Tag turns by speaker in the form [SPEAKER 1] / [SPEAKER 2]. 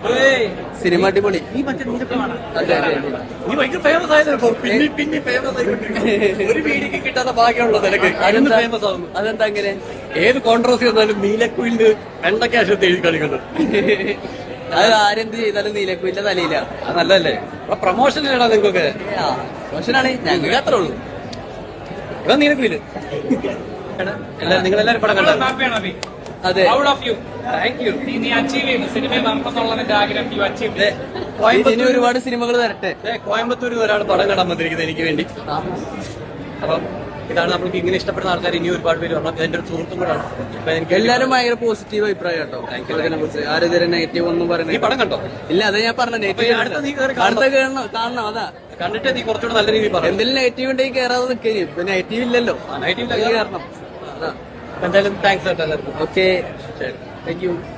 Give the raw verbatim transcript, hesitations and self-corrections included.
[SPEAKER 1] Cinema അടിപൊളി.
[SPEAKER 2] നീ മറ്റേ നീലക്കുയിലാണ്.
[SPEAKER 1] അതെ അതെ
[SPEAKER 2] നീ ഭയങ്കര ഫേമസ് ആയതല്ലോ. പിന്നെ പിന്നെ ഫേമസ് ആയിക്കൊണ്ടിരിക്കും. ഒരു വീടിക്ക് കിട്ടാത്ത ഭാഗ്യമുള്ള നിനക്ക്
[SPEAKER 1] അതെന്താ
[SPEAKER 2] ഫേമസ് ആവുന്നു.
[SPEAKER 1] അതെന്താ അങ്ങനെ?
[SPEAKER 2] ഏത് കോൺട്രവേഴ്സി വന്നാലും നീലക്കുയിലിന് വെണ്ടക്കാശത്ത് എഴുതി കളിക്കുന്നു.
[SPEAKER 1] അത് ആരെന്ത് ചെയ്താലും നീലക്കുയില്ല തലയില്ല.
[SPEAKER 2] അത് നല്ലതല്ലേ? പ്രൊമോഷൻ ഇടാ നിങ്ങൾക്കൊക്കെ.
[SPEAKER 1] മോശനാണ് ഞങ്ങൾക്ക് അത്രേ ഉള്ളൂ.
[SPEAKER 2] ഇവിടെ നീലക്കുയില് നിങ്ങളെല്ലാരും പടം കണ്ടോ? അതെ.
[SPEAKER 1] ഇനി ഒരുപാട് സിനിമകൾ വരട്ടെ.
[SPEAKER 2] കോയമ്പത്തൂരിൽ ഒരാൾ പടം കാണാൻ വന്നിരിക്കുന്നത് എനിക്ക് വേണ്ടി. അപ്പം ഇതാണ് നമ്മൾക്ക് ഇങ്ങനെ ഇഷ്ടപ്പെടുന്ന ആൾക്കാർ ഇനി ഒരുപാട് പേര് വരണം. എന്റെ ഒരു സുഹൃത്തും കൂടാണ്. അപ്പൊ എനിക്ക്
[SPEAKER 1] എല്ലാരും ഭയങ്കര പോസിറ്റീവ് അഭിപ്രായം കേട്ടോ. ആരും ഇതുവരെ നെഗറ്റീവ് ഒന്നും
[SPEAKER 2] ഈ
[SPEAKER 1] പറയുന്നത്
[SPEAKER 2] പടം കണ്ടോ?
[SPEAKER 1] ഇല്ല. അതാ ഞാൻ പറഞ്ഞ നെഗറ്റീവ്
[SPEAKER 2] അടുത്ത നീ കയറി
[SPEAKER 1] അടുത്ത കാണണം കാണണം. അതാ
[SPEAKER 2] കണ്ടിട്ട് നീ കുറച്ചുകൂടെ നല്ല രീതിയിൽ പറയാം.
[SPEAKER 1] എന്തെങ്കിലും നെഗറ്റീവ് ഉണ്ടെങ്കിൽ കയറാതെ നിൽക്കുക. ഇപ്പൊ നെഗറ്റീവ് ഇല്ലല്ലോ,
[SPEAKER 2] നെഗറ്റീവ്
[SPEAKER 1] കയറണം.
[SPEAKER 2] എന്തായാലും താങ്ക്സ് കേട്ടോ എല്ലാവർക്കും.
[SPEAKER 1] ഓക്കെ,
[SPEAKER 2] ശരി.
[SPEAKER 1] Thank U.